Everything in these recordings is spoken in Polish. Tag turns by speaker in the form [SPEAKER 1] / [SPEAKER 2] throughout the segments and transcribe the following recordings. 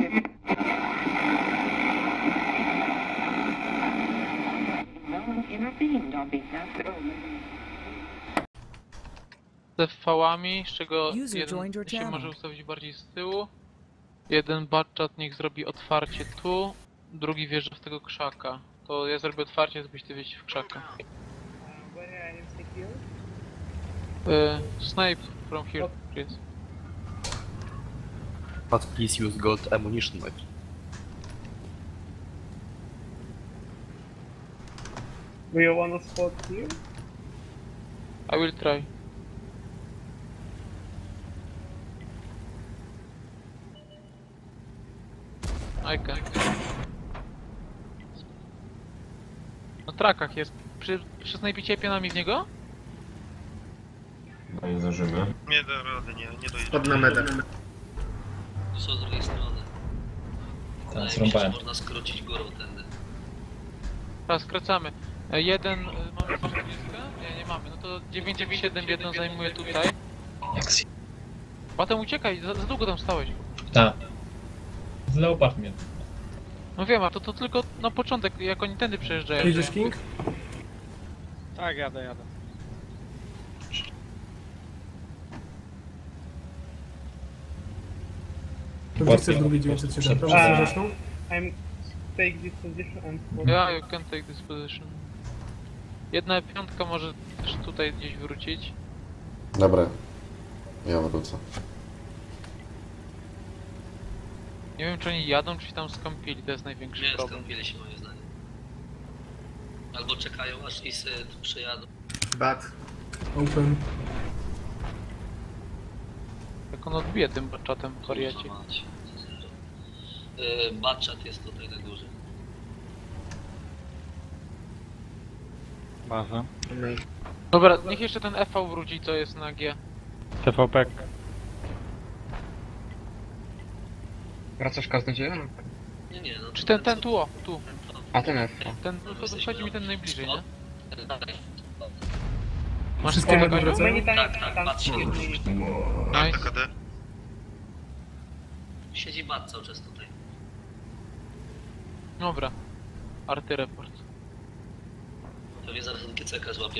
[SPEAKER 1] Z V-ami, z czego
[SPEAKER 2] User
[SPEAKER 1] jeden
[SPEAKER 2] joined your
[SPEAKER 1] się
[SPEAKER 2] channel.
[SPEAKER 1] może ustawić bardziej z tyłu. Jeden batchat niech zrobi otwarcie tu, drugi wjeżdża w tego krzaka. To ja zrobię otwarcie, żebyś ty wjeździł w krzaka. Snipe from here, please.
[SPEAKER 3] But please use gold ammunition, mate.
[SPEAKER 4] Do you wanna spot here?
[SPEAKER 1] I will try. I can. Na trakach jest. Przy snajpicie pionami w niego?
[SPEAKER 5] No nie zdążymy.
[SPEAKER 6] Nie da rady, nie dojedzie.
[SPEAKER 4] Pod na medę.
[SPEAKER 7] Tu są z drugiej strony. Wydaje mi się, że
[SPEAKER 5] zrąbałem.
[SPEAKER 7] można skrócić górą tędy.
[SPEAKER 1] Teraz skracamy. Jeden, mamy coś nie mamy. No to 997 jedną zajmuje tutaj. Potem uciekaj, za długo tam stałeś.
[SPEAKER 5] Tak. Z Leopard mnie.
[SPEAKER 1] No wiem, a to tylko na początek, jak oni tędy przejeżdżają.
[SPEAKER 8] Jedziesz, King?
[SPEAKER 4] Tak, jadę.
[SPEAKER 8] To gdzie chcesz drugi 907? Tam
[SPEAKER 4] A.
[SPEAKER 8] zresztą?
[SPEAKER 4] I'm take this position and spot.
[SPEAKER 1] Yeah, you can take this position. Jedna piątka może też tutaj gdzieś wrócić.
[SPEAKER 9] Dobra, ja wrócę.
[SPEAKER 1] Nie wiem, czy oni jadą, czy się tam skąpili, to jest największy
[SPEAKER 7] Nie
[SPEAKER 1] problem.
[SPEAKER 7] skąpili się moim zdaniem. Albo czekają aż ISy tu przejadą.
[SPEAKER 4] Bat.
[SPEAKER 8] Open.
[SPEAKER 1] Jak on odbije tym czatem w wariacie.
[SPEAKER 7] Kurwa mać. Batchat jest tutaj na górze.
[SPEAKER 10] Baza.
[SPEAKER 1] Dobra, niech jeszcze ten FV wróci, co jest na G.
[SPEAKER 10] TVP.
[SPEAKER 4] Wracasz kaznodzieja?
[SPEAKER 7] Nie, no.
[SPEAKER 1] Czy ten tu, o, tu.
[SPEAKER 4] A ten F.
[SPEAKER 1] Ten, chodzi mi ten najbliżej, nie? Masz
[SPEAKER 8] Wszystkie
[SPEAKER 1] spoko,
[SPEAKER 8] będą
[SPEAKER 1] Kaziu?
[SPEAKER 8] wracają?
[SPEAKER 7] Tak, patrzcie.
[SPEAKER 6] Mam
[SPEAKER 1] Nice.
[SPEAKER 6] TKD.
[SPEAKER 7] Siedzi bat cały czas tutaj.
[SPEAKER 1] Dobra. Arty report.
[SPEAKER 7] Pewnie zaraz ten GCK złapie.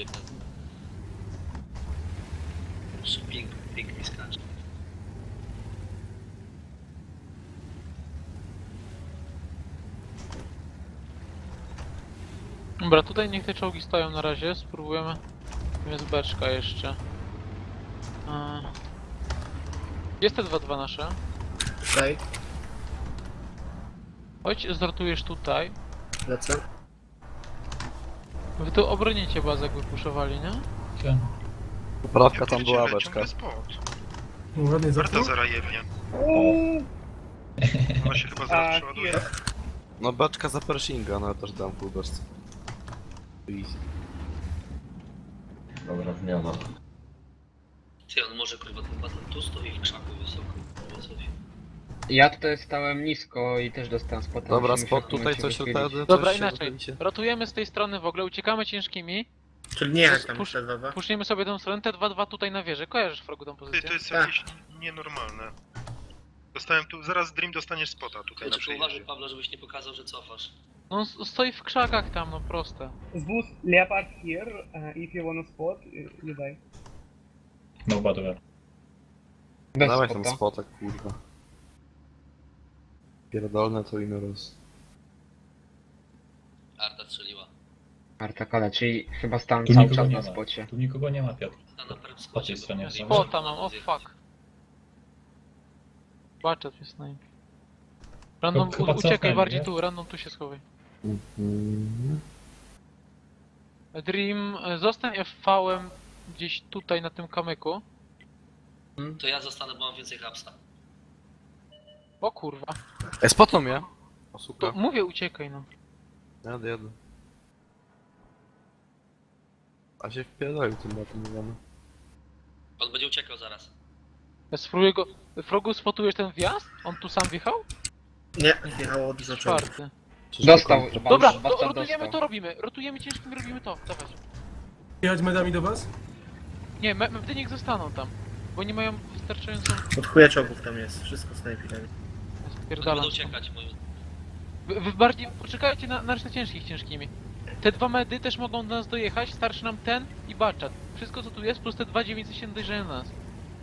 [SPEAKER 7] Ping mi skacze.
[SPEAKER 1] Dobra, tutaj niech te czołgi stoją na razie, spróbujemy. Jest beczka jeszcze. Jest te 2-2 nasze.
[SPEAKER 4] Tutaj.
[SPEAKER 1] Chodź, zrotujesz tutaj.
[SPEAKER 4] Lecę.
[SPEAKER 1] Wy tu obronicie bazę, jak wypuszowali, nie?
[SPEAKER 3] Poprawka tam była
[SPEAKER 6] Ciągle
[SPEAKER 3] beczka.
[SPEAKER 6] spot.
[SPEAKER 8] No, ładnie
[SPEAKER 6] Warto
[SPEAKER 8] zaczął.
[SPEAKER 6] zaraz jebnie. Ona się chyba zaraz przeładuje.
[SPEAKER 3] No beczka za Pershinga, no ja też dam pół beczce. Easy.
[SPEAKER 5] Dobra, wymiana.
[SPEAKER 7] Ty, on może kurwa ten baton tu stoi w krzaku wysoko. Filozofii.
[SPEAKER 4] Ja tutaj stałem nisko i też dostałem spota.
[SPEAKER 3] Dobra,
[SPEAKER 4] musimy
[SPEAKER 3] spot
[SPEAKER 4] się w
[SPEAKER 3] tutaj
[SPEAKER 4] momencie
[SPEAKER 3] coś
[SPEAKER 4] wychylić.
[SPEAKER 3] wtedy.
[SPEAKER 1] Dobra,
[SPEAKER 3] coś się
[SPEAKER 1] inaczej.
[SPEAKER 3] wychylicie.
[SPEAKER 1] Rotujemy z tej strony w ogóle, uciekamy ciężkimi.
[SPEAKER 4] Czyli nie jak tam
[SPEAKER 1] Push-
[SPEAKER 4] te 2
[SPEAKER 1] Puszniemy sobie tą stronę, te 2-2 tutaj na wieżę. Kojarzysz, Frogu, tą
[SPEAKER 6] Ty,
[SPEAKER 1] pozycję?
[SPEAKER 6] to jest
[SPEAKER 4] Tak.
[SPEAKER 6] jakieś nienormalne. Dostałem tu, zaraz Dream dostaniesz spota tutaj na
[SPEAKER 7] Tylko uważaj,
[SPEAKER 6] przejeździe.
[SPEAKER 7] Pablo, żebyś nie pokazał, że cofasz.
[SPEAKER 1] No on stoi w krzakach tam, no proste.
[SPEAKER 4] Zwóz Leopard here, if you wanna spot, you die.
[SPEAKER 5] No badower.
[SPEAKER 4] Bez
[SPEAKER 3] Dawaj
[SPEAKER 4] spota.
[SPEAKER 3] tam spotek, kurwa. Pierdolne to inny roz.
[SPEAKER 7] Arta strzeliła.
[SPEAKER 4] Artakale, czyli chyba stałem
[SPEAKER 5] Tu
[SPEAKER 4] cały
[SPEAKER 5] nikogo
[SPEAKER 4] czas
[SPEAKER 5] nie
[SPEAKER 4] na
[SPEAKER 5] ma.
[SPEAKER 4] spocie.
[SPEAKER 5] Tu nikogo nie ma, Piotr.
[SPEAKER 7] A na pewno
[SPEAKER 5] Po tej stronie.
[SPEAKER 1] Spota mam, o fuck. Baczet mnie snajpi. Random,
[SPEAKER 5] Chyba
[SPEAKER 1] uciekaj
[SPEAKER 5] cofnęli,
[SPEAKER 1] bardziej
[SPEAKER 5] nie?
[SPEAKER 1] tu, random tu się schowaj.
[SPEAKER 3] Mhm.
[SPEAKER 1] Dream, zostań FV-em gdzieś tutaj na tym kamyku.
[SPEAKER 7] To ja zostanę, bo mam więcej hapsa.
[SPEAKER 1] O kurwa.
[SPEAKER 3] Spotną mnie! O
[SPEAKER 1] To
[SPEAKER 3] suka.
[SPEAKER 1] mówię uciekaj no.
[SPEAKER 3] Jadę. A się wpierdolił tym batem, nie wiemy.
[SPEAKER 7] On będzie uciekał zaraz.
[SPEAKER 1] Ja spróbuję go... Frogu, spotujesz ten wjazd? On tu sam wjechał?
[SPEAKER 4] Nie, jechało od zaczęcia.
[SPEAKER 1] Czwarty.
[SPEAKER 4] Dostał.
[SPEAKER 1] Dobra,
[SPEAKER 4] Basta
[SPEAKER 1] rotujemy
[SPEAKER 4] dostał.
[SPEAKER 1] to robimy. Rotujemy ciężkim, robimy to. Dawać.
[SPEAKER 8] Jechać medami do was?
[SPEAKER 1] Nie, medy niech zostaną tam. Bo nie mają wystarczającą...
[SPEAKER 4] Od chuja czołgów tam jest, wszystko snajpirami.
[SPEAKER 7] Oni
[SPEAKER 1] Pierdalam.
[SPEAKER 7] będą uciekać moim.
[SPEAKER 1] Wy bardziej poczekajcie na resztę ciężkimi. Te dwa medy też mogą do nas dojechać, starszy nam ten i baczat. Wszystko co tu jest, plus te 2.900 się dojrzeją na nas.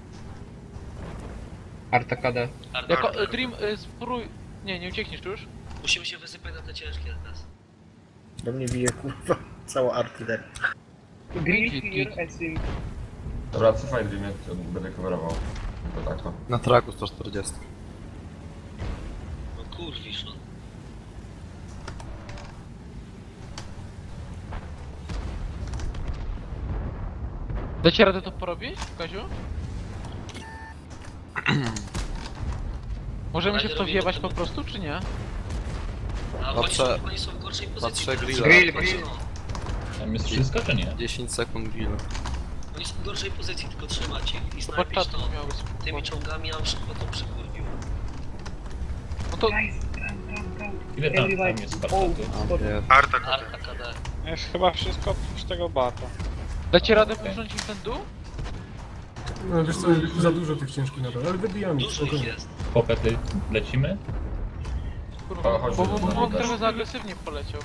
[SPEAKER 2] Arta KD.
[SPEAKER 1] Jako
[SPEAKER 6] Arta.
[SPEAKER 1] Dream, spróbuj... Nie uciekniesz tu już?
[SPEAKER 7] Musimy się wysypać na te ciężkie teraz.
[SPEAKER 10] Do mnie bije kurwa cała artyleria.
[SPEAKER 4] Green
[SPEAKER 1] Git,
[SPEAKER 4] clear, I think.
[SPEAKER 9] Dobra, cofaj Dreamie, będę coverował. To tak to.
[SPEAKER 3] Na traku 140.
[SPEAKER 7] No kurwisz, no.
[SPEAKER 1] Dacie radę to porobić, Kaziu? Możemy się w to wjebać po prostu, czy nie?
[SPEAKER 7] A
[SPEAKER 3] Patrzę-
[SPEAKER 7] oni są w gorszej pozycji.
[SPEAKER 3] patrzę
[SPEAKER 7] teraz.
[SPEAKER 3] grilla.
[SPEAKER 2] Grill.
[SPEAKER 7] No,
[SPEAKER 5] Tam jest wszystko, czy nie?
[SPEAKER 3] 10 sekund grill.
[SPEAKER 7] oni są w gorszej pozycji, tylko trzymać ich i
[SPEAKER 1] To
[SPEAKER 7] snajpić
[SPEAKER 1] baczat
[SPEAKER 7] to.
[SPEAKER 1] miały
[SPEAKER 7] Tymi czołgami ja szybko to przykurwił.
[SPEAKER 1] No to...
[SPEAKER 4] Guys, come.
[SPEAKER 5] Ile tam
[SPEAKER 4] Everybody.
[SPEAKER 5] jest
[SPEAKER 4] Oh,
[SPEAKER 5] Spartatu?
[SPEAKER 4] spotted.
[SPEAKER 3] Jest.
[SPEAKER 6] Arta KD.
[SPEAKER 7] Arta KD.
[SPEAKER 11] Jest chyba wszystko oprócz tego bata.
[SPEAKER 1] Dacie radę puszcząć im ten dół?
[SPEAKER 8] No wiesz co, za dużo tych ciężkich nadal, ale wybijamy ich,
[SPEAKER 7] Dużo ich
[SPEAKER 8] spokojnie.
[SPEAKER 7] jest.
[SPEAKER 5] Popety lecimy?
[SPEAKER 1] Kurwa,
[SPEAKER 9] chodź,
[SPEAKER 1] bo
[SPEAKER 9] chodź,
[SPEAKER 1] Bóg
[SPEAKER 9] chodź.
[SPEAKER 1] trochę za agresywnie poleciał.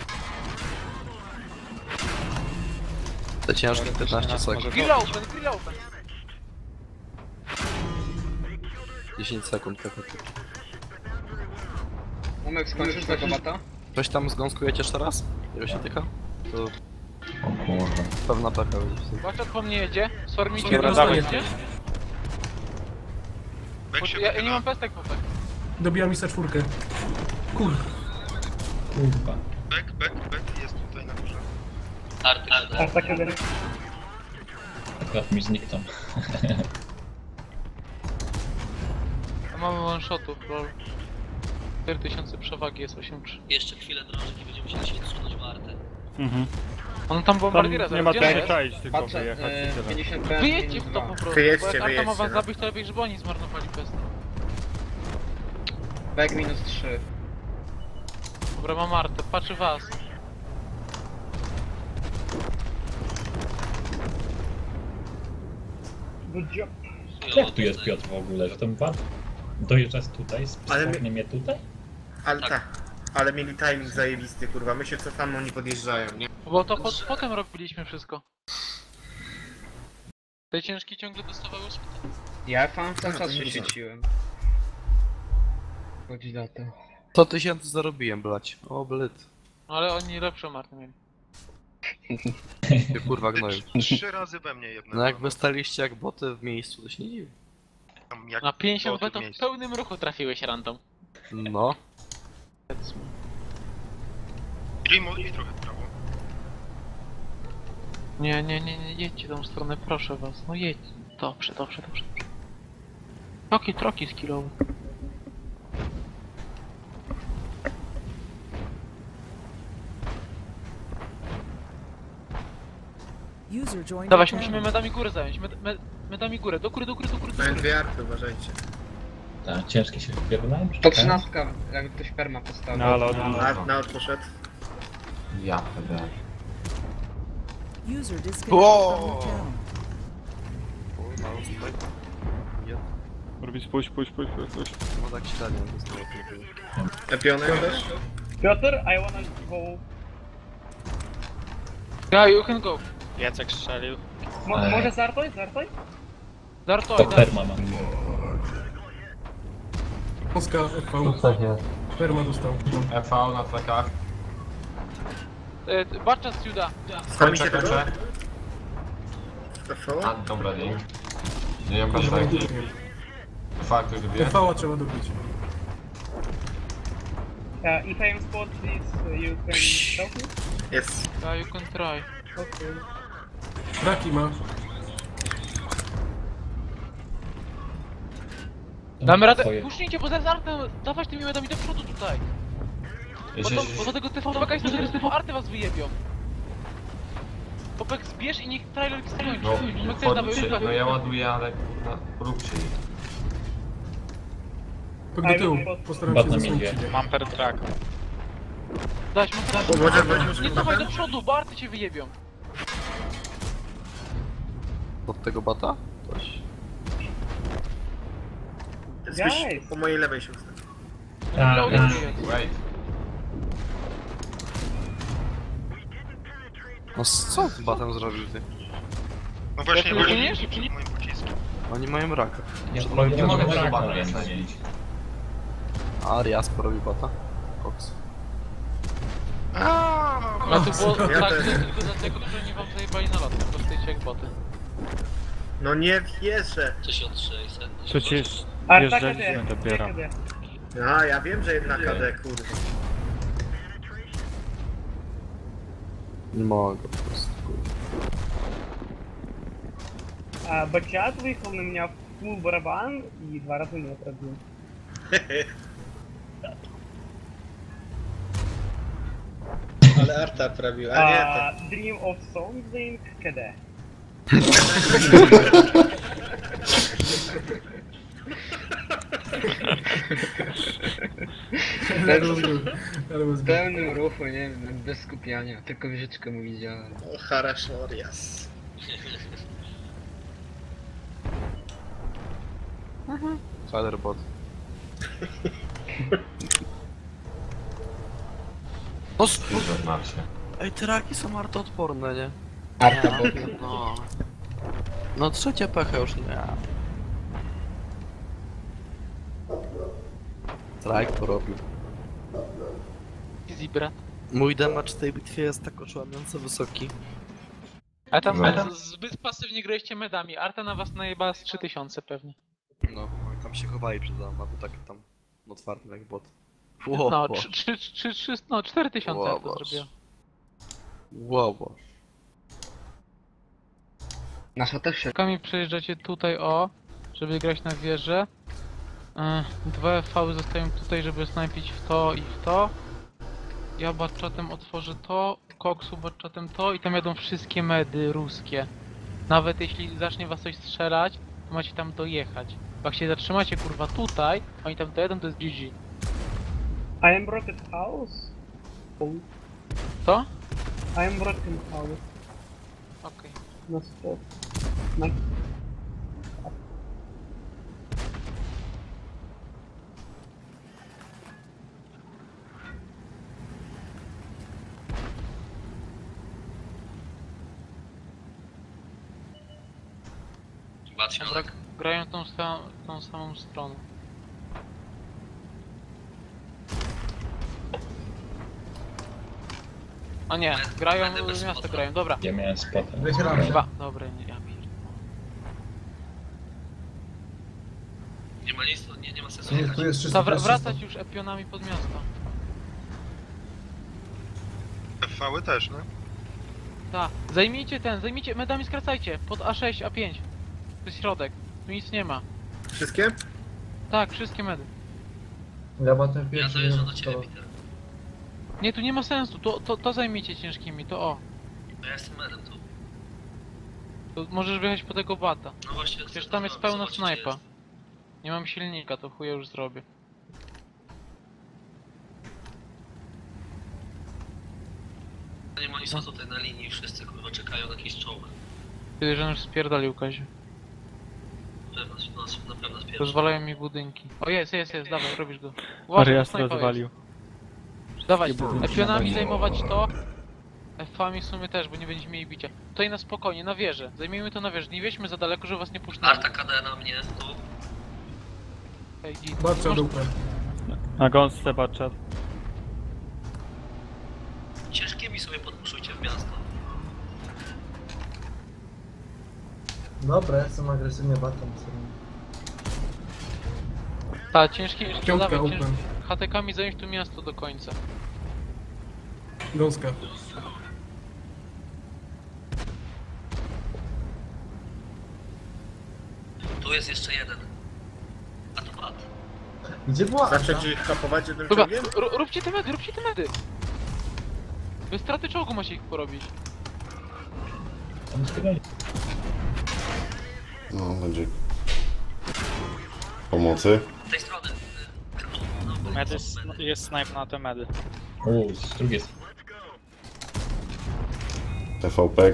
[SPEAKER 3] Te ciężkie 15 sekund.
[SPEAKER 1] Grill open.
[SPEAKER 3] 10 sekund PKT.
[SPEAKER 2] Umek, skończysz tego bata?
[SPEAKER 3] Ktoś tam zgąskujecie jeszcze raz? Ile się tyka? To
[SPEAKER 9] O kurwa.
[SPEAKER 3] pewna peka będzie.
[SPEAKER 1] Baczat po mnie jedzie, sformicie
[SPEAKER 8] Dobra,
[SPEAKER 1] po
[SPEAKER 8] dawaj.
[SPEAKER 1] jedzie.
[SPEAKER 6] Bek się
[SPEAKER 1] Ja nie
[SPEAKER 6] wychyla.
[SPEAKER 1] mam pestek po tak.
[SPEAKER 8] Dobijam Isa 4. Kurwa.
[SPEAKER 5] Kurwa.
[SPEAKER 6] Bek jest tutaj na górze.
[SPEAKER 7] Arta KD.
[SPEAKER 4] Arta KD.
[SPEAKER 5] Akurat mi zniknął.
[SPEAKER 1] A mamy one shotów, lol. 4000 przewagi jest 8-3.
[SPEAKER 7] Jeszcze chwilę drążek i będziemy musieli się odsunąć w Artę.
[SPEAKER 1] On tam bombardiera
[SPEAKER 11] Nie ma
[SPEAKER 1] zaraz,
[SPEAKER 11] co
[SPEAKER 1] gdzie
[SPEAKER 11] czaić, tylko
[SPEAKER 2] Patrzę,
[SPEAKER 11] wyjechać i tyle.
[SPEAKER 2] 50 PM.
[SPEAKER 1] Wyjedźcie w to po prostu,
[SPEAKER 10] Wyjedźcie,
[SPEAKER 1] bo jak Arta ma was
[SPEAKER 10] wyjedźcie, no.
[SPEAKER 1] zabić, to lepiej, żeby oni zmarnowali pestek.
[SPEAKER 2] Back minus 3.
[SPEAKER 1] Dobra, mam Artę, patrzy was.
[SPEAKER 4] Good job.
[SPEAKER 5] Jak tu jest Piotr w ogóle, że ten bat dojeżdża tutaj,
[SPEAKER 10] Ale my-
[SPEAKER 5] stopnie mnie tutaj?
[SPEAKER 10] Ale
[SPEAKER 7] Tak.
[SPEAKER 10] tak. Ale mieli timing zajebisty kurwa, my się cofamy, oni podjeżdżają, nie?
[SPEAKER 1] Bo to potem robiliśmy wszystko. Te ciężki ciągle dostawały spytań.
[SPEAKER 2] Ja cały czas
[SPEAKER 10] to
[SPEAKER 2] się
[SPEAKER 10] nie
[SPEAKER 2] świeciłem. Chodzi na to.
[SPEAKER 3] 100 tysięcy zarobiłem, blać. O, blyt.
[SPEAKER 1] Ale oni lepszą Artę mieli.
[SPEAKER 3] Ty kurwa gnoju.
[SPEAKER 6] 3 razy we mnie jednego.
[SPEAKER 3] No jak wy staliście jak boty w miejscu, to się nie dziwi.
[SPEAKER 6] Tam jak
[SPEAKER 1] Na 50
[SPEAKER 6] boty w
[SPEAKER 1] betów w
[SPEAKER 6] miejscu.
[SPEAKER 1] pełnym ruchu trafiłeś random.
[SPEAKER 3] No.
[SPEAKER 6] Dream odbij trochę w prawo.
[SPEAKER 1] Nie, jedźcie tą stronę, proszę was. No jedź. Dobrze. Troki skillowe. Dawać, musimy medami górę zająć. Medami górę, do góry.
[SPEAKER 10] Mają dwie arty, uważajcie.
[SPEAKER 5] Tak, ciężkie się wypierdolałem?
[SPEAKER 2] To 13, jakby ktoś perma postawił.
[SPEAKER 11] No ale
[SPEAKER 10] Art na poszedł.
[SPEAKER 9] Ja wtedy.
[SPEAKER 3] Wow.
[SPEAKER 11] robić puść.
[SPEAKER 3] No tak średnio, to jest lepiej.
[SPEAKER 10] Lepiony też?
[SPEAKER 4] Piotr, I wanna go.
[SPEAKER 1] Yeah, you can go.
[SPEAKER 11] Jacek strzelił.
[SPEAKER 4] Może Zartoj?
[SPEAKER 1] Dartoj,
[SPEAKER 5] To perma ma.
[SPEAKER 8] Polska FV. Perma dostał.
[SPEAKER 9] FV na trakach.
[SPEAKER 1] Baczat Ciuda.
[SPEAKER 10] Stamicie tego? Zafało?
[SPEAKER 9] A, dobra, nie. Nie mam paszczaki. Fakt, ktoś dobije?
[SPEAKER 8] FV trzeba dobić.
[SPEAKER 4] If I am spot this, you can help me?
[SPEAKER 10] Jest.
[SPEAKER 1] Yeah, you can try.
[SPEAKER 4] Okay.
[SPEAKER 8] Traki ma.
[SPEAKER 1] Damy radę.
[SPEAKER 5] Twoje.
[SPEAKER 1] Puszczcie, bo zaraz Artę dawać tymi medami do przodu tutaj.
[SPEAKER 9] Jeśli-
[SPEAKER 1] Bo do tego TVP jest to, że TV Arty was wyjebią. Popek zbierz i niech trailer skończy.
[SPEAKER 9] No,
[SPEAKER 1] My też damy
[SPEAKER 9] wchodźcie, no ja ładuję, ale kurwa, róbcie.
[SPEAKER 8] Tak do tyłu. Postaram
[SPEAKER 5] Bat
[SPEAKER 8] się
[SPEAKER 5] na
[SPEAKER 8] zasłonić
[SPEAKER 5] midzie.
[SPEAKER 8] ciebie.
[SPEAKER 11] Mam per track.
[SPEAKER 1] Dać mu
[SPEAKER 10] Może
[SPEAKER 1] nie cofaj do przodu, bo Arty cię wyjebią.
[SPEAKER 3] Od tego bata? Ktoś.
[SPEAKER 10] Zbyś
[SPEAKER 4] Guys.
[SPEAKER 10] po mojej lewej się ustawi.
[SPEAKER 1] Reloading
[SPEAKER 5] tak.
[SPEAKER 1] jest.
[SPEAKER 9] Wait.
[SPEAKER 3] No co ty batem zrobił ty?
[SPEAKER 6] No właśnie,
[SPEAKER 1] Jak płyniesz?
[SPEAKER 6] moim pociskiem.
[SPEAKER 3] Oni mają raka.
[SPEAKER 9] Nie mogę tego
[SPEAKER 5] raka,
[SPEAKER 9] bata
[SPEAKER 5] więc-
[SPEAKER 9] zadzielić.
[SPEAKER 3] A Arias porobił bata? Koks.
[SPEAKER 1] No to było
[SPEAKER 10] Ja
[SPEAKER 1] tak,
[SPEAKER 10] też.
[SPEAKER 1] że tylko dlatego, że nie wam zajebali na lot, po prostu jecie jak boty.
[SPEAKER 10] No nie wierzę.
[SPEAKER 7] 1600.
[SPEAKER 11] Przecież
[SPEAKER 4] Arta
[SPEAKER 11] wjeżdżaliśmy
[SPEAKER 4] KD.
[SPEAKER 11] dopiero.
[SPEAKER 4] KD.
[SPEAKER 10] A, ja wiem, że jedna KD, kurwa.
[SPEAKER 3] Nie mogę po prostu. Kurwa.
[SPEAKER 4] Бачат выехал на меня в full барабан и 2 раза не пробил.
[SPEAKER 10] Ale Arta prawił, a nie to.
[SPEAKER 4] Dream of Something KD.
[SPEAKER 8] Ale was
[SPEAKER 2] W pełnym ruchu, nie wiem, bez skupiania, tylko wieżyczkę mu widziałem.
[SPEAKER 10] O, Harashorias.
[SPEAKER 3] Spiderbot. No
[SPEAKER 9] Dużo znaczy.
[SPEAKER 3] Ej, te raki są artoodporne, nie?
[SPEAKER 2] Arta bot.
[SPEAKER 3] No. No trzecia pecha już nie. Strike porobił.
[SPEAKER 1] Easy brat.
[SPEAKER 3] Mój damage w tej bitwie jest tak oszałamiająco wysoki.
[SPEAKER 1] A tam
[SPEAKER 9] No.
[SPEAKER 1] zbyt pasywnie graliście medami. Arta na was najeba z 3000 pewnie.
[SPEAKER 3] No, oni tam się chowali przed nami, a to tak tam otwarty jak bot.
[SPEAKER 1] No, 4000
[SPEAKER 3] Wow,
[SPEAKER 1] Arta
[SPEAKER 3] boss.
[SPEAKER 1] zrobiła.
[SPEAKER 3] Wow.
[SPEAKER 2] Nasza też się...
[SPEAKER 1] Kami przejeżdżacie tutaj o, żeby grać na wieżę. Dwa FV zostają tutaj, żeby snajpić w to i w to. Ja batchatem otworzę to, Koksu batchatem to i tam jadą wszystkie medy ruskie. Nawet jeśli zacznie was coś strzelać, to macie tam dojechać. Bo jak się zatrzymacie kurwa tutaj, oni tam dojadą, to jest GG.
[SPEAKER 4] I am broken house.
[SPEAKER 1] To?
[SPEAKER 4] I am broken house.
[SPEAKER 1] Okej.
[SPEAKER 4] Na spot. Na...
[SPEAKER 7] Bat
[SPEAKER 1] Dobra,
[SPEAKER 7] środek.
[SPEAKER 1] grają tą samą stroną. A nie, grają,
[SPEAKER 7] Będę bez
[SPEAKER 1] miasto
[SPEAKER 7] spotka.
[SPEAKER 1] grają, dobra.
[SPEAKER 5] Ja miałem spota.
[SPEAKER 8] Wygrałem.
[SPEAKER 1] Dwa, dobra, nie, ja pierdolę.
[SPEAKER 7] Nie ma nic, nie ma sensu
[SPEAKER 8] Nie,
[SPEAKER 7] jechać.
[SPEAKER 8] tu jest
[SPEAKER 1] To
[SPEAKER 8] 300.
[SPEAKER 1] wracać już epionami pod miasto.
[SPEAKER 6] FV-y też, no.
[SPEAKER 1] Tak, zajmijcie, medami skracajcie, pod A6, A5. To jest środek, tu nic nie ma.
[SPEAKER 10] Wszystkie?
[SPEAKER 1] Tak, wszystkie medy.
[SPEAKER 8] Ja batem
[SPEAKER 7] Ja
[SPEAKER 8] pierwszy
[SPEAKER 7] dojeżdżam
[SPEAKER 8] nie
[SPEAKER 7] do ciebie,
[SPEAKER 8] mam
[SPEAKER 7] Peter.
[SPEAKER 1] Nie, tu nie ma sensu, to zajmijcie ciężkimi, to o.
[SPEAKER 7] No ja jestem medem tu.
[SPEAKER 1] To możesz wyjechać po tego bata.
[SPEAKER 7] No właśnie,
[SPEAKER 1] Przecież
[SPEAKER 7] chcę
[SPEAKER 1] tam jest pełna
[SPEAKER 7] zobaczyć,
[SPEAKER 1] snajpa.
[SPEAKER 7] gdzie jest.
[SPEAKER 1] Nie mam silnika, to chuja już zrobię.
[SPEAKER 7] Nie ma, oni są tutaj na linii, wszyscy kurwa czekają na jakiś czołg.
[SPEAKER 1] Kiedy że już spierdalił Kaziu.
[SPEAKER 7] Na pewno spierze.
[SPEAKER 1] Rozwalają mi budynki. O jest, dawaj, robisz go. Uważaj,
[SPEAKER 11] Arias
[SPEAKER 1] snajpa jest.
[SPEAKER 11] rozwalił.
[SPEAKER 1] Dawaj, epionami zajmować to. F-ami w sumie też, bo nie będziemy mieli bicia. Tutaj na spokojnie, na wieżę. Zajmijmy to na wieżę. Nie wieźmy za daleko, żeby was nie puszczali.
[SPEAKER 7] Arta KD na mnie, tu.
[SPEAKER 1] Ej, git.
[SPEAKER 8] Batrza
[SPEAKER 1] Masz-
[SPEAKER 8] dupę.
[SPEAKER 11] Na gąsce baczat.
[SPEAKER 7] Ciężkimi sobie podpuszczujcie w miasto.
[SPEAKER 8] Dobra, jestem agresywnie batem.
[SPEAKER 1] Tak, ciężki,
[SPEAKER 8] Piątka
[SPEAKER 1] dawaj,
[SPEAKER 8] open.
[SPEAKER 1] HTK-mi zająć tu miasto do końca.
[SPEAKER 8] Gąska.
[SPEAKER 7] Tu jest jeszcze jeden. A to bat.
[SPEAKER 8] Gdzie była?
[SPEAKER 10] Zacząć ich kapować jednym
[SPEAKER 1] Dobra,
[SPEAKER 10] czołgiem?
[SPEAKER 1] róbcie te medy, Bez straty czołgu macie ich porobić.
[SPEAKER 5] On zbiegali.
[SPEAKER 12] No, będzie... Pomocy.
[SPEAKER 7] Z tej strony. No, bo
[SPEAKER 11] Medy,
[SPEAKER 7] są medy.
[SPEAKER 11] jest snipe na te medy.
[SPEAKER 5] Z drugiej strony.
[SPEAKER 12] TVP.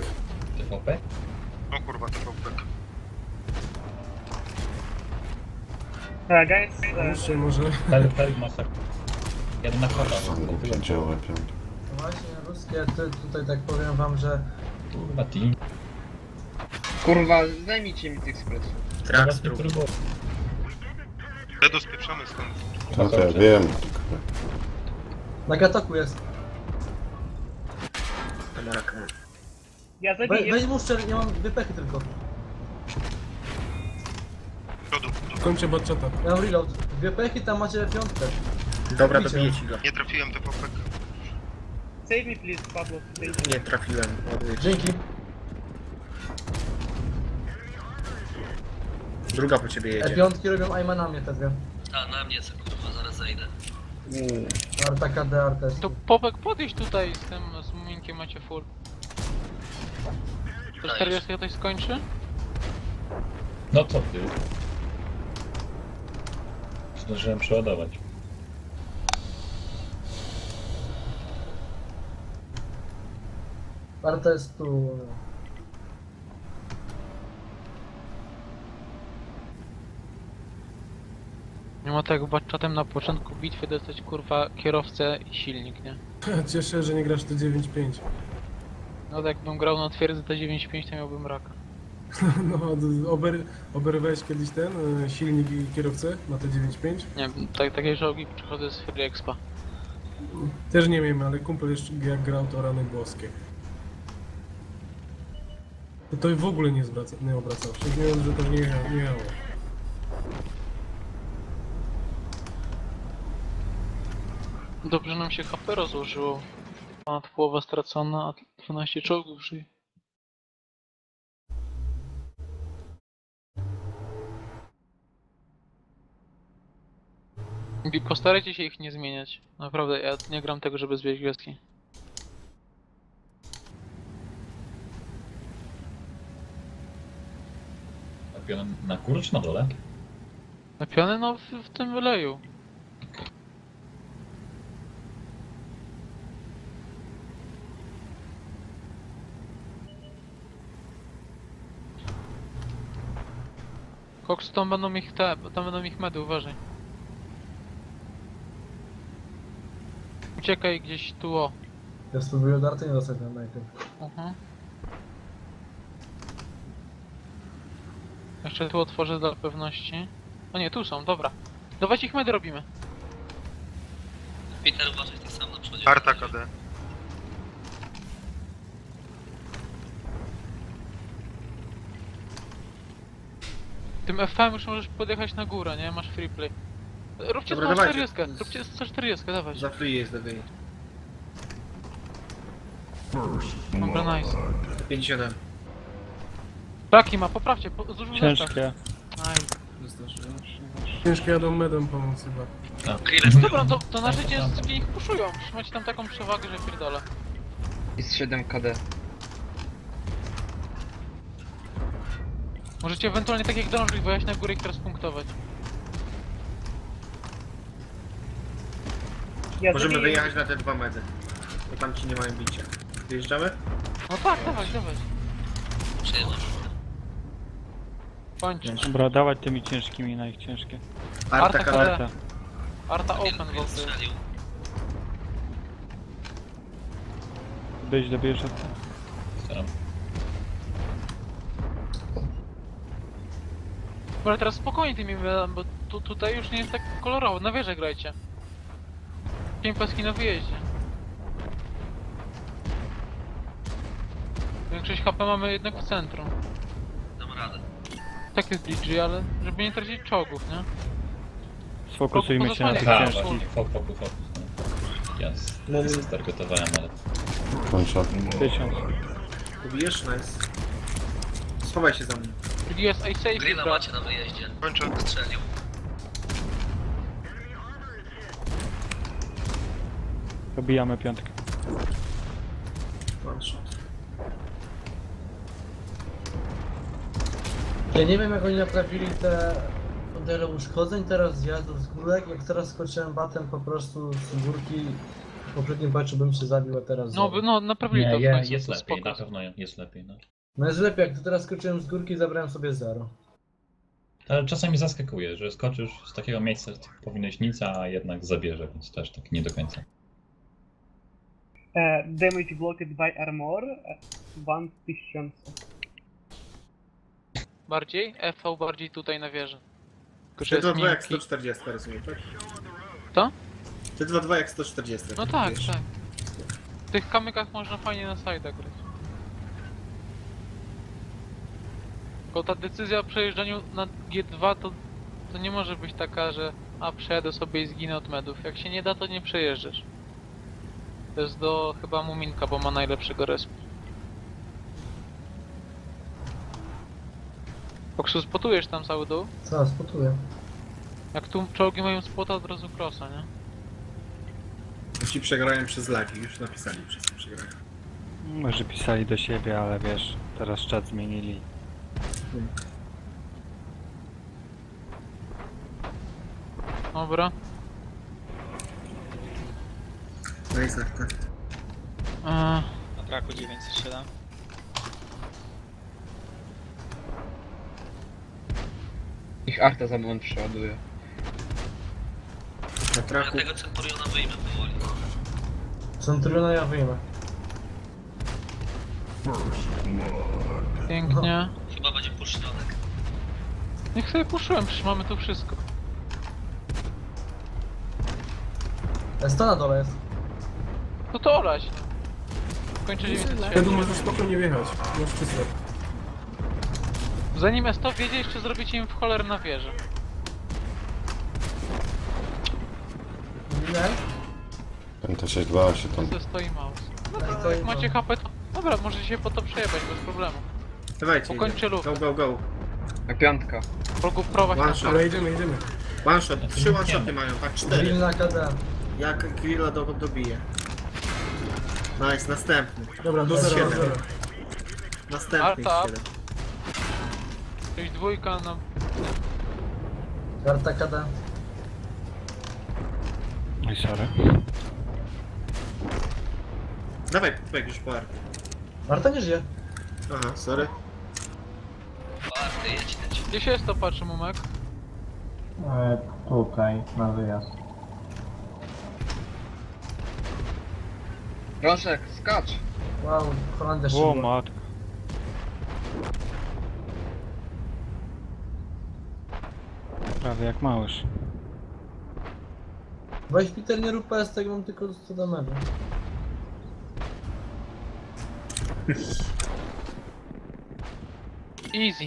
[SPEAKER 6] O kurwa, TVP.
[SPEAKER 4] Guys,
[SPEAKER 8] Pomóżcie może.
[SPEAKER 5] Help masak. Jeden na kota.
[SPEAKER 12] Właśnie, ruskie, tutaj tak powiem wam, że...
[SPEAKER 5] Kurwa, team.
[SPEAKER 2] Kurwa, zajmijcie mi tych spresów.
[SPEAKER 5] Teraz nie próbuję.
[SPEAKER 6] Dedo spieprzamy stąd.
[SPEAKER 9] To ja wiem.
[SPEAKER 12] Na katoku jest.
[SPEAKER 4] ja zabiję.
[SPEAKER 12] Weź mu szczerze, nie mam wypechy tylko.
[SPEAKER 6] Przodu.
[SPEAKER 8] Kończę batchata.
[SPEAKER 12] Ja mam reload. Dwie pechy, tam macie piątkę.
[SPEAKER 10] Dobra,
[SPEAKER 12] Bicie.
[SPEAKER 10] dobiję ci go.
[SPEAKER 6] Nie trafiłem te popek.
[SPEAKER 4] Save me please, Pablo.
[SPEAKER 10] Nie trafiłem. ładuję ci.
[SPEAKER 12] Dzięki.
[SPEAKER 10] Druga po ciebie jedzie.
[SPEAKER 12] Piątki robią aima na mnie te dwie.
[SPEAKER 7] A, na mnie co kurwa, zaraz zejdę.
[SPEAKER 12] Arta KD, Arta jest.
[SPEAKER 1] To Popek podejść tutaj z tym, z muminkiem macie full. To 40 ktoś skończy?
[SPEAKER 5] No co ty? Zdążyłem przeładować.
[SPEAKER 12] Arta jest tu.
[SPEAKER 1] Nie ma tak batchatem na początku bitwy dostać kurwa kierowcę i silnik, nie?
[SPEAKER 8] Cieszę, że nie grasz to 9-5.
[SPEAKER 1] No tak jakbym grał na twierdzy T95 to miałbym raka.
[SPEAKER 8] No, oberwałeś kiedyś ten silnik i kierowcę na te 9-5?
[SPEAKER 1] Nie wiem, takie czołgi przychodzą z Free Expa.
[SPEAKER 8] Też nie wiem, ale kumpel jeszcze jak grał to rany boskie. To w ogóle nie obracał się, nie wiem, że to nie jechało.
[SPEAKER 1] Dobrze nam się HP rozłożyło. Ponad połowa stracona, a 12 czołgów żyje. I postarajcie się ich nie zmieniać. Naprawdę, ja nie gram tego, żeby zbierać gwiazdki.
[SPEAKER 5] Napiony na górę czy na dole?
[SPEAKER 1] Napiony no w tym wyleju. Koks, tam będą ich tam będą ich medy, uważaj. Uciekaj gdzieś tu, o.
[SPEAKER 12] Ja spróbuję od Arty nie dostać na najpierw.
[SPEAKER 1] Jeszcze tu otworzę dla pewności. O nie, tu są, dobra. Dawać ich medy robimy.
[SPEAKER 7] Peter, uważaj tak sam na przodzie.
[SPEAKER 6] Arta KD.
[SPEAKER 1] Tym FM już możesz podjechać na górę, nie? Masz free play. Róbcie
[SPEAKER 10] Dobra,
[SPEAKER 1] 140,
[SPEAKER 10] dawajcie.
[SPEAKER 1] róbcie 140, dawać.
[SPEAKER 10] Za free jest lepiej.
[SPEAKER 1] Dobra, nice.
[SPEAKER 10] 57.
[SPEAKER 1] Taki ma, poprawcie, zużył zestaw.
[SPEAKER 11] Ciężkie.
[SPEAKER 1] Nice.
[SPEAKER 8] Ciężko jadą medem pomóc chyba.
[SPEAKER 1] Dobra, to na życie sobie ich puszują. Macie tam taką przewagę, że pierdolę.
[SPEAKER 2] Jest 7 KD.
[SPEAKER 1] Możecie ewentualnie tak jak dążyć, bo ja się na górę ich teraz punktować.
[SPEAKER 4] Ja
[SPEAKER 10] Możemy
[SPEAKER 4] zabiję.
[SPEAKER 10] wyjechać na te dwa medy. Bo tam ci nie mają bicia. Wyjeżdżamy?
[SPEAKER 1] No tak, dawać.
[SPEAKER 7] Przyjeżdżam.
[SPEAKER 1] Kończ.
[SPEAKER 11] Dobra, dawać tymi ciężkimi na ich ciężkie.
[SPEAKER 10] Arta
[SPEAKER 1] Arta
[SPEAKER 10] KD.
[SPEAKER 1] KD.
[SPEAKER 11] Arta.
[SPEAKER 1] Arta open
[SPEAKER 7] Jeden
[SPEAKER 1] w ogóle.
[SPEAKER 7] strzelił.
[SPEAKER 11] Dobierz Arta.
[SPEAKER 5] Staram.
[SPEAKER 1] Dobra, teraz spokojnie tymi medami, bo tutaj już nie jest tak kolorowo. Na wieżę grajcie. 5 paski na wyjeździe. Większość HP mamy jednak w centrum.
[SPEAKER 7] Dam radę.
[SPEAKER 1] Tak jest BG, ale żeby nie tracić czołgów, nie?
[SPEAKER 11] Sfokusujmy się na tych
[SPEAKER 1] Tak,
[SPEAKER 11] ciężkich.
[SPEAKER 5] Fokus. Jasne. Ja się stargotowałem, ale...
[SPEAKER 9] Kończę.
[SPEAKER 11] 1000.
[SPEAKER 10] Pobijesz? Nice. Schowaj się za mną.
[SPEAKER 1] BG jest safe,
[SPEAKER 7] Grilla macie na wyjeździe.
[SPEAKER 6] Kończę.
[SPEAKER 7] Strzelił.
[SPEAKER 11] Dobijamy piątkę.
[SPEAKER 10] One shot.
[SPEAKER 12] Ja nie wiem jak oni naprawili te modele uszkodzeń teraz zjazdów z górek. Jak teraz skoczyłem batem po prostu z górki, w poprzednim patchu bym się zabił, a teraz
[SPEAKER 1] No naprawili to w końcu,
[SPEAKER 5] jest
[SPEAKER 1] to
[SPEAKER 5] lepiej,
[SPEAKER 1] spoko.
[SPEAKER 5] na pewno jest lepiej, no.
[SPEAKER 12] No jest lepiej, jak tu teraz skoczyłem z górki, zabrałem sobie 0.
[SPEAKER 5] Ale czasami zaskakuje, że skoczysz z takiego miejsca, gdzie powinieneś nic, a jednak zabierze, więc też tak nie do końca.
[SPEAKER 4] Damage blocked by armor 1000.
[SPEAKER 1] Bardziej? FV bardziej tutaj na wieży. Tylko, że jest
[SPEAKER 10] T2-2 jak
[SPEAKER 1] miękki.
[SPEAKER 10] 140, rozumiem, tak?
[SPEAKER 1] Co?
[SPEAKER 10] T2-2 jak 140.
[SPEAKER 1] No
[SPEAKER 10] jak
[SPEAKER 1] tak,
[SPEAKER 10] mówisz.
[SPEAKER 1] tak. W tych kamykach można fajnie na side'a grać. Tylko ta decyzja o przejeżdżaniu na G2 to nie może być taka, że przejadę sobie i zginę od medów. Jak się nie da, to nie przejeżdżasz. To jest do chyba Muminka, bo ma najlepszego respa. Koksu, spotujesz tam cały dół?
[SPEAKER 12] Co, spotuję.
[SPEAKER 1] Jak tu czołgi mają spota, od razu crossa, nie?
[SPEAKER 10] Ci przegrają przez lagi, już napisali wszyscy przegrają.
[SPEAKER 11] Może pisali do siebie, ale wiesz, teraz czat zmienili.
[SPEAKER 1] Dobra.
[SPEAKER 10] No i tak, tak.
[SPEAKER 1] Eee,
[SPEAKER 13] Na braku 907.
[SPEAKER 2] Ich arta za moment przeładuje.
[SPEAKER 10] Na
[SPEAKER 7] Ja
[SPEAKER 10] traku.
[SPEAKER 7] tego Centuriona wyjmę powoli.
[SPEAKER 12] Centuriona ja wyjmę.
[SPEAKER 1] pięknie.
[SPEAKER 7] Chyba będzie push środek.
[SPEAKER 1] Niech sobie puszyłem, przecież mamy tu wszystko.
[SPEAKER 12] Sto na dole jest.
[SPEAKER 1] No to olać. Kończę
[SPEAKER 8] Wtedy
[SPEAKER 1] 907.
[SPEAKER 8] możesz spokojnie wjechać. Masz czysto.
[SPEAKER 1] Zanim S100 wiedzie, jeszcze zrobicie im w cholerę na wieżę.
[SPEAKER 12] Nie?
[SPEAKER 9] MT62 się tam...
[SPEAKER 1] To stoi mouse.
[SPEAKER 12] To
[SPEAKER 1] Jak macie HP, to... Dobra, możecie się po to przejebać bez problemu.
[SPEAKER 10] Dawajcie,
[SPEAKER 1] Ukończę lub.
[SPEAKER 10] go, go, go.
[SPEAKER 2] A piątka.
[SPEAKER 1] Progu prowadź na
[SPEAKER 10] One shot.
[SPEAKER 8] Ale idziemy, idziemy.
[SPEAKER 10] One shot, 3 one shoty mają, tak, 4.
[SPEAKER 12] Grill na KD.
[SPEAKER 10] Jak grilla dobije. Nice, następny.
[SPEAKER 8] Dobra, do
[SPEAKER 10] Jest
[SPEAKER 8] zera, do
[SPEAKER 10] siedem.
[SPEAKER 8] zera.
[SPEAKER 10] Następny
[SPEAKER 1] Arta.
[SPEAKER 10] 7.
[SPEAKER 1] Czyli dwójka na...
[SPEAKER 12] Karta KD.
[SPEAKER 11] Oj, sorry.
[SPEAKER 10] Dawaj, pek już po arty.
[SPEAKER 12] Marta nie żyje.
[SPEAKER 10] Aha, sorry.
[SPEAKER 7] Warty, jedź.
[SPEAKER 1] Gdzie się S100 patrzy, Mumek?
[SPEAKER 12] Tutaj, na wyjazd.
[SPEAKER 2] Rożek, skacz!
[SPEAKER 12] Wow, Holandia
[SPEAKER 11] O
[SPEAKER 12] szybko.
[SPEAKER 11] matko. Prawie jak małysz.
[SPEAKER 12] Weź Peter, nie rób PS, tak mam tylko 100 damage.
[SPEAKER 1] Easy.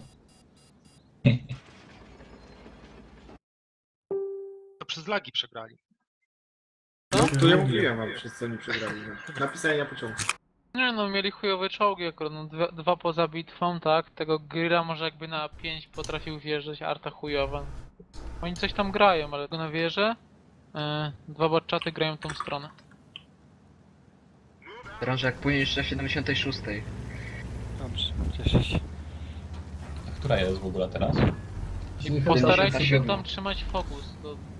[SPEAKER 6] To przez lagi przegrali.
[SPEAKER 10] Tu ja mówiłem wam, przez co oni przegrali. No. Napisali na początku.
[SPEAKER 1] Nie no, mieli chujowe czołgi akurat, no dwa poza bitwą, tak? Tego Grilla może jakby na 5 potrafił wjeżdżać, arta chujowa. Oni coś tam grają, ale go na wieżę. Dwa botczaty grają tą stronę.
[SPEAKER 2] Rożek, płyniesz na 76.
[SPEAKER 11] Dobrze, cieszę się.
[SPEAKER 5] A która jest w ogóle teraz?
[SPEAKER 1] I postarajcie się
[SPEAKER 2] 77.
[SPEAKER 1] tam trzymać fokus.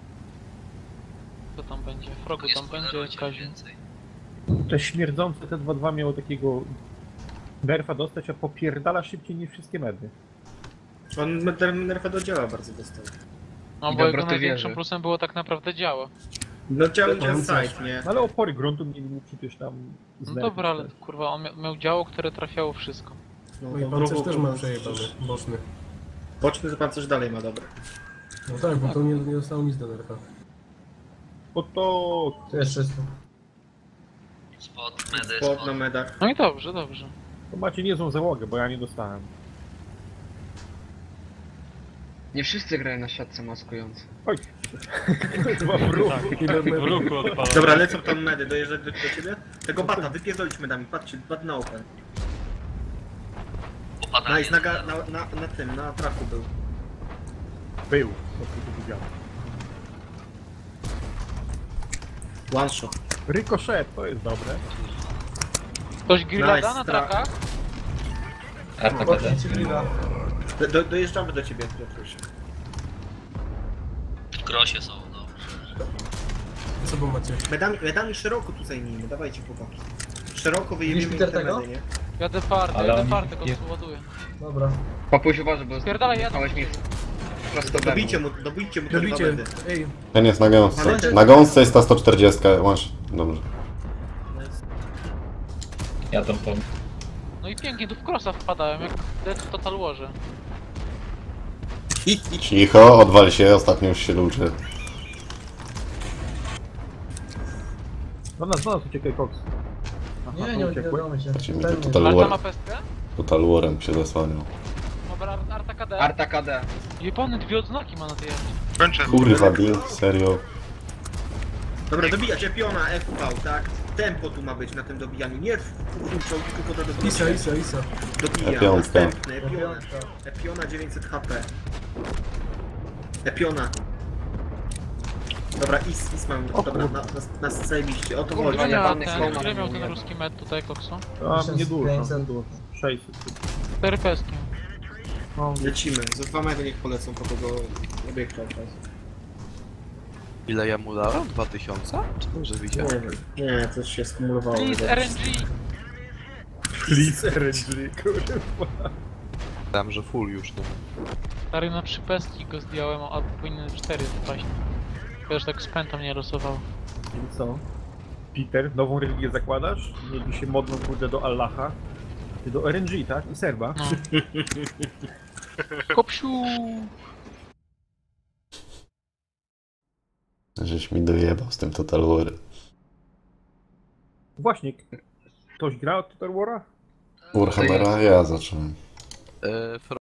[SPEAKER 1] Co tam będzie? Frogu tam będzie, Kaziu.
[SPEAKER 14] To śmierdzące T2-2 miało takiego nerfa dostać, a popierdala szybciej niż wszystkie medy.
[SPEAKER 10] On nerfa do działa bardzo dostał.
[SPEAKER 1] No
[SPEAKER 2] I
[SPEAKER 1] bo jego
[SPEAKER 2] dobroty
[SPEAKER 1] największym
[SPEAKER 2] wieży.
[SPEAKER 1] plusem było tak naprawdę działa.
[SPEAKER 10] No działa
[SPEAKER 8] Tam coś.
[SPEAKER 10] side, nie?
[SPEAKER 14] No ale opory gruntu mieli mu przecież tam
[SPEAKER 1] No dobra, ale kurwa, on miał działo, które trafiało wszystko.
[SPEAKER 8] No i pancerz też ma przejebany, boczny.
[SPEAKER 10] Boczny to pancerz dalej ma dobre.
[SPEAKER 8] No tak, bo to nie zostało nic do nerfa.
[SPEAKER 14] Bo to...
[SPEAKER 12] To jest czysto.
[SPEAKER 7] Spot, medy,
[SPEAKER 10] Spot na medach.
[SPEAKER 1] No i dobrze, dobrze.
[SPEAKER 14] To macie niezłą załogę, bo ja nie dostałem.
[SPEAKER 2] Nie wszyscy grają na siatce maskujące.
[SPEAKER 14] Oj! Chyba w ruchu.
[SPEAKER 11] W ruchu odpalał.
[SPEAKER 10] Dobra, lecą tam medy, dojeżdżać do ciebie? Tego bata, wypierdolić medami, patrzcie, bat na open.
[SPEAKER 7] Popadanie.
[SPEAKER 10] Nice, na tym, na traku był.
[SPEAKER 14] Był. Po prostu widziałem.
[SPEAKER 10] One shot.
[SPEAKER 14] Ricochet, to jest dobre.
[SPEAKER 1] Ktoś grilla
[SPEAKER 10] Nice,
[SPEAKER 1] da na trakach?
[SPEAKER 5] Arta KD.
[SPEAKER 12] Boczni ci grilla.
[SPEAKER 10] Dojeżdżamy do ciebie, Piotruś.
[SPEAKER 7] W krosie są, dobrze.
[SPEAKER 8] Co bo macie?
[SPEAKER 10] Medami szeroko tu zajmijmy, dawajcie chłopaki. Szeroko
[SPEAKER 12] Widzisz,
[SPEAKER 10] wyjebiemy
[SPEAKER 12] Peter,
[SPEAKER 10] te
[SPEAKER 12] tego?
[SPEAKER 10] medy, nie?
[SPEAKER 1] Jadę fartę,
[SPEAKER 5] Ale
[SPEAKER 1] jadę
[SPEAKER 5] oni-
[SPEAKER 1] fartę, go ładuję.
[SPEAKER 12] Dobra.
[SPEAKER 2] Papuś uważaj, bo
[SPEAKER 1] Spierdalaj, jadę.
[SPEAKER 2] jechałeś mi prosto
[SPEAKER 10] Dobijcie mu te dwa
[SPEAKER 8] Robicie,
[SPEAKER 10] bedy.
[SPEAKER 8] ej,
[SPEAKER 9] Ten jest na gąsce. Na gąsce jest ta 140, masz. Dobrze.
[SPEAKER 5] Ja tam po...
[SPEAKER 1] No i pięknie, tu w crossa wpadałem, jak Dead w Total Warze.
[SPEAKER 9] Cicho, odwal się, ostatnio już się luczy.
[SPEAKER 14] Do nas uciekaj, Cox. Aha,
[SPEAKER 12] Nie
[SPEAKER 14] to uciekłeś?
[SPEAKER 12] udało mi się.
[SPEAKER 9] Ci mi
[SPEAKER 12] Pewnie.
[SPEAKER 9] Total
[SPEAKER 1] Arta ma
[SPEAKER 9] War,
[SPEAKER 1] pestkę?
[SPEAKER 9] Total Warem się zasłaniał.
[SPEAKER 1] Dobra, Arta KD.
[SPEAKER 2] Arta KD.
[SPEAKER 1] Jebany, dwie odznaki ma na tej arcie.
[SPEAKER 6] Kończę.
[SPEAKER 9] Kurwa, Dean, serio.
[SPEAKER 10] Dobra, dobijać Epiona, FV, tak? Tempo tu ma być na tym dobijaniu. Nie wrzucał, tylko to dobijanie.
[SPEAKER 8] Isa.
[SPEAKER 10] Dobija.
[SPEAKER 9] Epiątka.
[SPEAKER 10] Następny, Epiona 900 HP. Epiona. Dobra, Is mam. Dobra, na zajebiście. O to chodzi.
[SPEAKER 1] Ile miał
[SPEAKER 2] jebany
[SPEAKER 1] ten,
[SPEAKER 2] Snowman
[SPEAKER 1] ile miał
[SPEAKER 2] nie
[SPEAKER 1] ten
[SPEAKER 2] wiem.
[SPEAKER 1] ruski med tutaj, Koksu?
[SPEAKER 14] A, niedużo,
[SPEAKER 12] 1500.
[SPEAKER 14] niedużo. 600.
[SPEAKER 1] 4 peski.
[SPEAKER 14] No,
[SPEAKER 10] Lecimy. Za 2 mego niech polecą po tego obiektu.
[SPEAKER 3] Ile ja mu dałem? 2000? Czy dobrze
[SPEAKER 10] Nie
[SPEAKER 3] widziałem?
[SPEAKER 10] wiem. Nie, coś się skumulowało.
[SPEAKER 1] Please, RNG!
[SPEAKER 14] please RNG, kurwa.
[SPEAKER 3] Dałem, że full już, no.
[SPEAKER 1] Stary, na 3 pestki go zdjąłem, a powinien 4 wpaść. Wiesz, tak z pęta mnie losowało.
[SPEAKER 14] I co? Peter, nową religię zakładasz? Mieli się modną kurde do Allaha. Ty do RNG, tak? I Serba.
[SPEAKER 1] No. Kopsiu!
[SPEAKER 9] Żeś mi dojebał z tym Total Warem.
[SPEAKER 14] Właśnie, ktoś gra od Total War'a?
[SPEAKER 9] Warhammera ja zacząłem.